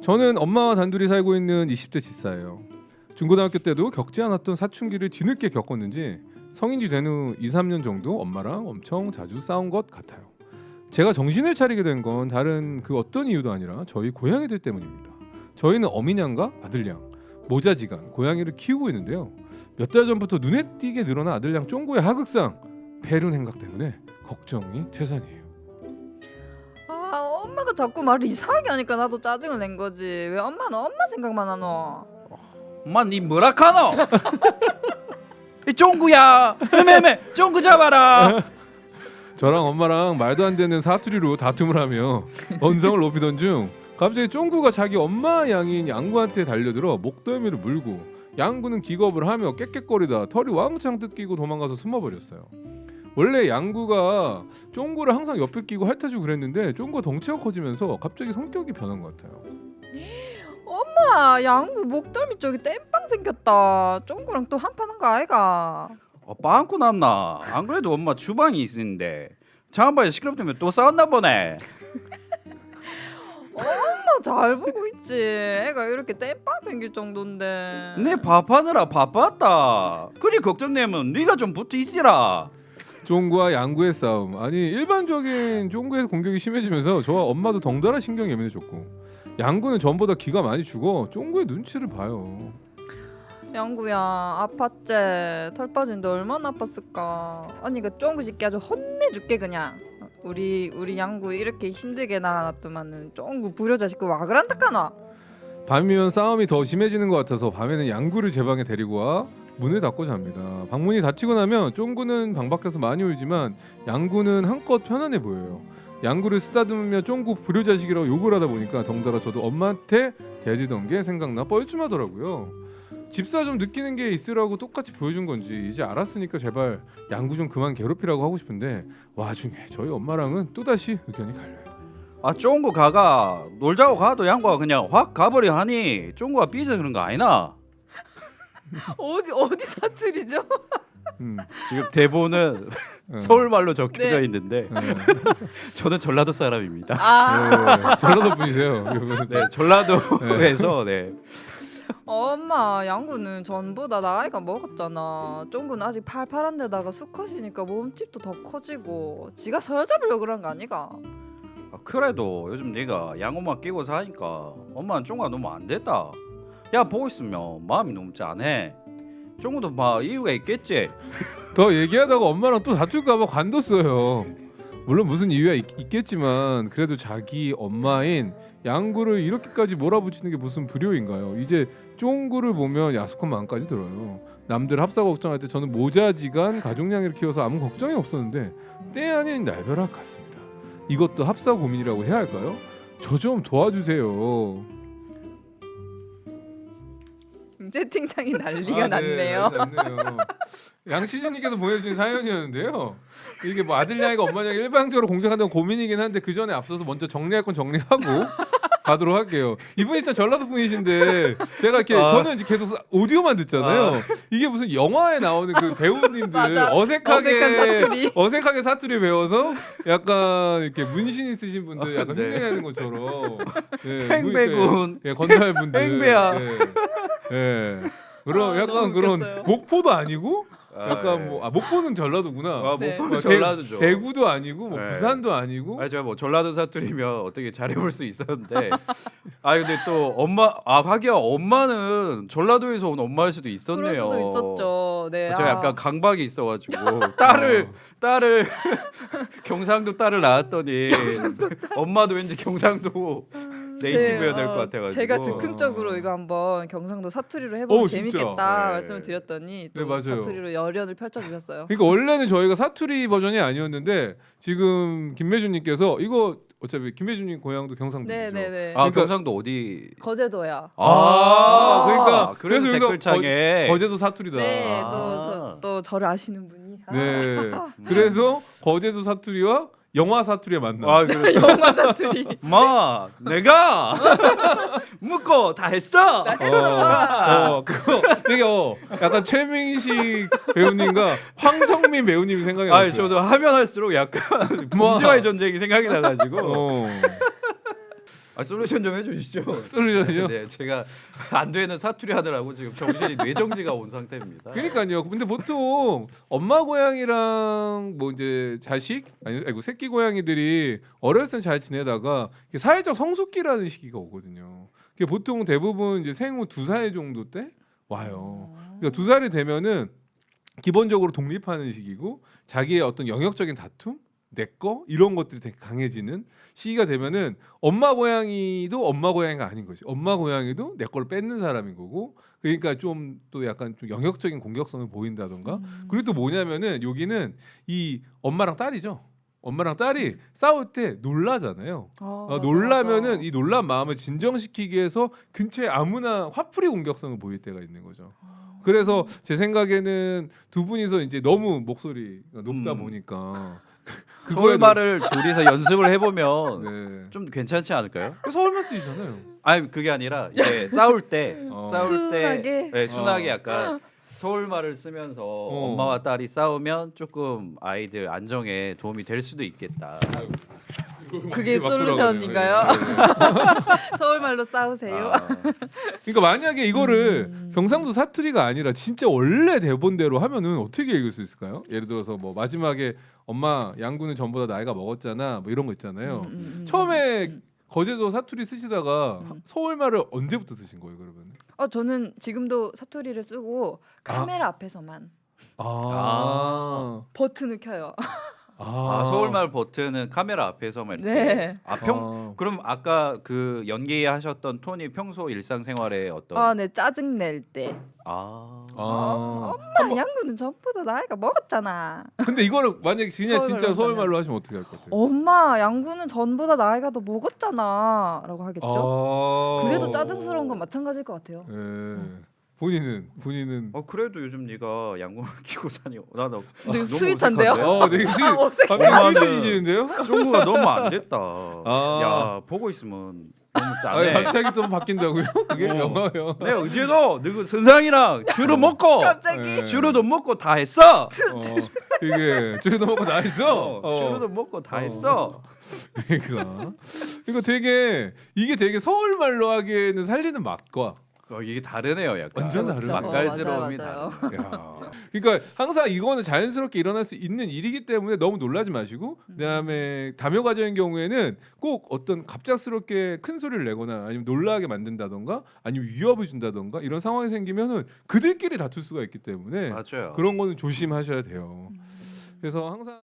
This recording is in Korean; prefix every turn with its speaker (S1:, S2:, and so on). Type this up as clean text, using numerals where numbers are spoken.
S1: 저는 엄마와 단둘이 살고 있는 20대 집사예요. 중고등학교 때도 겪지 않았던 사춘기를 뒤늦게 겪었는지 성인이 된 후 2, 3년 정도 엄마랑 엄청 자주 싸운 것 같아요. 제가 정신을 차리게 된 건 다른 그 어떤 이유도 아니라 저희 고양이들 때문입니다. 저희는 어미냥과 아들냥, 모자지간 고양이를 키우고 있는데요. 몇 달 전부터 눈에 띄게 늘어난 아들냥 쫑구의 하극상, 폐륜 행각 때문에 걱정이 태산이에요.
S2: 아, 엄마가 자꾸 말을 이상하게 하니까 나도 짜증을 낸 거지. 왜 엄마는 엄마 생각만 하노?
S3: 엄마 니 뭐라 카노? 이 쫑구야. 매매 쫑구 잡아라.
S1: 저랑 엄마랑 말도 안 되는 사투리로 다툼을 하며 언성을 높이던 중 갑자기 쫑구가 자기 엄마 양인 양구한테 달려들어 목덜미를 물고 양구는 기겁을 하며 깨깨거리다 털이 왕창 뜯기고 도망가서 숨어버렸어요. 원래 양구가 쫑구를 항상 옆에 끼고 핥아주고 그랬는데 쫑구가 덩치가 커지면서 갑자기 성격이 변한 것 같아요.
S2: 엄마, 양구 목덜미 쪽에 땜빵 생겼다. 쫑구랑 또 한판한 거 아이가?
S3: 빵꾸 났나? 안 그래도 엄마 주방이 있는데 장한바에 시끄럽다면 또 싸웠나 보네.
S2: 엄마 잘 보고 있지. 애가 이렇게 땜빵 생길 정도인데.
S3: 내 밥하느라 바빴다. 그리 걱정되면 네가 좀 붙어 있으라.
S1: 쫑구와 양구의 싸움. 아니 일반적인 쫑구의 공격이 심해지면서 저와 엄마도 덩달아 신경이 예민해졌고 양구는 전보다 기가 많이 죽어 쫑구의 눈치를 봐요.
S2: 양구야, 아팠지? 털 빠진데 얼마나 아팠을까? 언니가 쫑구 새끼 아주 혼내줄게 그냥. 우리 양구 이렇게 힘들게 낳아놨더만은 쫑구 불효자식구 와 그란다카나.
S1: 밤이면 싸움이 더 심해지는 것 같아서 밤에는 양구를 제 방에 데리고 와 문을 닫고 잡니다. 방문이 닫히고 나면 쫑구는 방 밖에서 많이 울지만 양구는 한껏 편안해 보여요. 양구를 쓰다듬으며 쫑구 불효자식이라고 욕을 하다 보니까 덩달아 저도 엄마한테 대들던 게 생각나 뻘쭘하더라고요. 집사 좀 느끼는 게 있으라고 똑같이 보여준 건지 이제 알았으니까 제발 양구 좀 그만 괴롭히라고 하고 싶은데 와중에 저희 엄마랑은 또다시 의견이 갈려요.
S3: 아 쫑구 가가 놀자고 가도 양구가 그냥 확 가버려 하니 쫑구가 삐져 그런 거 아니나?
S2: 어디 사투리죠?
S3: 지금 대본은 서울말로 적혀져
S2: 네.
S3: 있는데
S1: 네.
S3: 저는 전라도 사람입니다.
S2: 아,
S1: 네, 전라도 분이세요.
S3: 네, 전라도에서 네.
S2: 엄마, 양구는 전보다 나이가 먹었잖아. 쫑구는 아직 팔팔한데다가 수컷이니까 몸집도 더 커지고 지가 서여잡으려고 그런 거 아니가?
S3: 아, 그래도 요즘 네가 양엄마 끼고 사니까 엄마는 쫑구가 너무 안 됐다. 야 보고 있으면 마음이 너무 짠해. 쫑구도 막 이유가 있겠지.
S1: 더 얘기하다가 엄마랑 또 다툴까봐 관뒀어요. 물론 무슨 이유가 있겠지만 그래도 자기 엄마인 양구를 이렇게까지 몰아붙이는 게 무슨 불효인가요? 이제 쫑구를 보면 야속한 마음까지 들어요. 남들 합사 걱정할 때 저는 모자지간 가족냥이를 키워서 아무 걱정이 없었는데 때 아닌 날벼락 같습니다. 이것도 합사 고민이라고 해야 할까요? 저 좀 도와주세요.
S2: 채팅창이 난리가
S1: 아,
S2: 났네요.
S1: 네, 났네요. 양시진님께서 보내주신 사연이었는데요. 이게 뭐 아들냥이가 엄마냥 일방적으로 공격한다는 고민이긴 한데 그 전에 앞서서 먼저 정리할 건 정리하고 가도록 할게요. 이분 일단 전라도 분이신데 제가 이렇게 저는 이제 계속 오디오만 듣잖아요. 이게 무슨 영화에 나오는 그 배우님들
S2: 맞아. 어색한 사투리.
S1: 어색하게 사투리 배워서 약간 이렇게 문신 있으신 분들 약간
S3: 네.
S1: 흉내내는 것처럼 네,
S3: 행배군.
S1: 예, 건달분들
S3: 행배야.
S1: 예. 예. 그런
S2: 아,
S1: 약간
S2: 너무
S1: 그런
S2: 웃겼어요.
S1: 목포도 아니고 약간
S3: 네.
S1: 뭐 목포는 전라도구나.
S3: 아,
S2: 네.
S3: 목포는 전라도죠.
S1: 대구도 아니고 뭐
S3: 네.
S1: 부산도 아니고.
S3: 아니 제가 뭐 전라도 사투리면 어떻게 잘해볼 수 있었는데 아 근데 또 엄마 하기야 엄마는 전라도에서 온 엄마일 수도 있었네요.
S2: 그럴 수도 있었죠. 네.
S3: 제가
S2: 아.
S3: 약간 강박이 있어가지고 딸을 경상도 딸을 낳았더니 엄마도 왠지 경상도 네이티브여야 될 것 같아가지고
S2: 제가 즉흥적으로 이거 한번 경상도 사투리로 해보면
S1: 진짜.
S2: 재밌겠다
S3: 네.
S2: 말씀을 드렸더니 또
S1: 네, 맞아요.
S2: 사투리로 열연을 펼쳐주셨어요.
S1: 그러니까 원래는 저희가 사투리 버전이 아니었는데 지금 김매준님께서 이거 어차피 김매준님 고향도 경상도죠.
S2: 네네네.
S3: 아
S1: 그러니까-
S3: 경상도 어디?
S2: 거제도야.
S1: 그러니까
S3: 그래서
S1: 여기서
S3: 댓글창에
S1: 거제도 사투리다.
S2: 네,
S3: 아.
S2: 또 저를 아시는 분이.
S1: 네. 그래서 거제도 사투리와 영화 사투리의 만남.
S3: 아 그렇죠.
S2: 영화 사투리.
S3: 마 내가 묻고 다 했어.
S1: 그거 되게 약간 최민식 배우님과 황정민 배우님이 생각이 났어요.
S3: 아 저도 하면 할수록 약간
S1: 뭐.
S3: 문제와의 전쟁이 생각이 나가지고. 아, 솔루션 좀 해주시죠.
S1: 솔루션이요?
S3: 네, 제가 안 되는 사투리 하느라고 지금 정신이 뇌정지가 온 상태입니다.
S1: 그러니까요. 근데 보통 엄마 고양이랑 뭐 이제 자식 아니고 새끼 고양이들이 어렸을 땐 잘 지내다가 이게 사회적 성숙기라는 시기가 오거든요. 그게 보통 대부분 이제 생후 2살 정도 때 와요. 그러니까 2살이 되면은 기본적으로 독립하는 시기고 자기의 어떤 영역적인 다툼, 내 거 이런 것들이 되게 강해지는 시기가 되면은 엄마 고양이도 엄마 고양이가 아닌 거지. 엄마 고양이도 내 걸 뺏는 사람인 거고. 그러니까 좀 또 약간 좀 영역적인 공격성을 보인다던가. 그리고 또 뭐냐면은 여기는 이 엄마랑 딸이죠. 엄마랑 딸이 싸울 때 놀라잖아요.
S2: 맞아,
S1: 놀라면은
S2: 맞아.
S1: 이 놀란 마음을 진정시키기 위해서 근처에 아무나 화풀이 공격성을 보일 때가 있는 거죠. 그래서 제 생각에는 두 분이서 이제 너무 목소리가 높다 보니까
S3: 서울말을 둘이서 연습을 해보면
S1: 네.
S3: 좀 괜찮지 않을까요?
S1: 서울말 쓰시잖아요.
S3: 아니 그게 아니라 이제 싸울 때 싸울 때
S2: 순하게?
S3: 네, 순하게 약간 서울말을 쓰면서 엄마와 딸이 싸우면 조금 아이들 안정에 도움이 될 수도 있겠다.
S2: 그게
S1: 막
S2: 솔루션인가요?
S1: 돌아가네요. 네.
S2: 서울말로 싸우세요.
S3: 아,
S1: 그러니까 만약에 이거를 경상도 사투리가 아니라 진짜 원래 대본대로 하면은 어떻게 읽을 수 있을까요? 예를 들어서 뭐 마지막에 엄마 양구는 전보다 나이가 먹었잖아 뭐 이런 거 있잖아요. 처음에 거제도 사투리 쓰시다가 서울말을 언제부터 쓰신 거예요 그러면?
S2: 저는 지금도 사투리를 쓰고 카메라 앞에서만 버튼을 켜요.
S3: 서울말 버튼은 카메라 앞에서만 이렇게.
S2: 네.
S3: 그럼 아까 그 연기하셨던 톤이 평소 일상생활에 어떤
S2: 네, 짜증 낼 때. 엄마 양구는 전보다 나이가 먹었잖아.
S1: 근데 이거를 만약에 그냥 진짜
S2: 서울말로
S1: 서울말로 하시면 어떻게 할 것 같아요?
S2: 엄마 양구는 전보다 나이가 더 먹었잖아라고 하겠죠. 그래도 짜증스러운 건 마찬가지일 것 같아요.
S1: 예. 본인은
S3: 그래도 요즘 네가 양궁을 키고 사니 나도
S2: 근데 스윗한데요?
S1: 되게
S2: 어색해.
S1: 갑자기
S3: 엄마는-
S1: 스윗해지시는데요?
S3: 종구가 너무 안 됐다.
S1: 아.
S3: 야 보고 있으면 너무
S1: 아,
S3: 짜네.
S1: 갑자기 또 바뀐다고요? 그게 영화요.
S3: 내가 어제도 너그 선상이랑 주로 먹고
S2: 갑자기
S1: 예.
S3: 주로도 먹고 다 했어.
S1: 이게 주로도 먹고 나 있어.
S3: 주로도 먹고 다 했어.
S1: 그러니까 이거 이게 되게 서울말로 하기에는 살리는 맛과
S3: 이게 다르네요, 약간.
S1: 완전 다르죠.
S3: 맛깔스러움이
S2: 맞아요.
S3: 다르네.
S1: 야. 그러니까 항상 이거는 자연스럽게 일어날 수 있는 일이기 때문에 너무 놀라지 마시고 그다음에 다묘 과정인 경우에는 꼭 어떤 갑작스럽게 큰 소리를 내거나 아니면 놀라게 만든다던가 아니면 위협을 준다던가 이런 상황이 생기면은 그들끼리 다툴 수가 있기 때문에
S3: 맞아요.
S1: 그런 거는 조심하셔야 돼요. 그래서 항상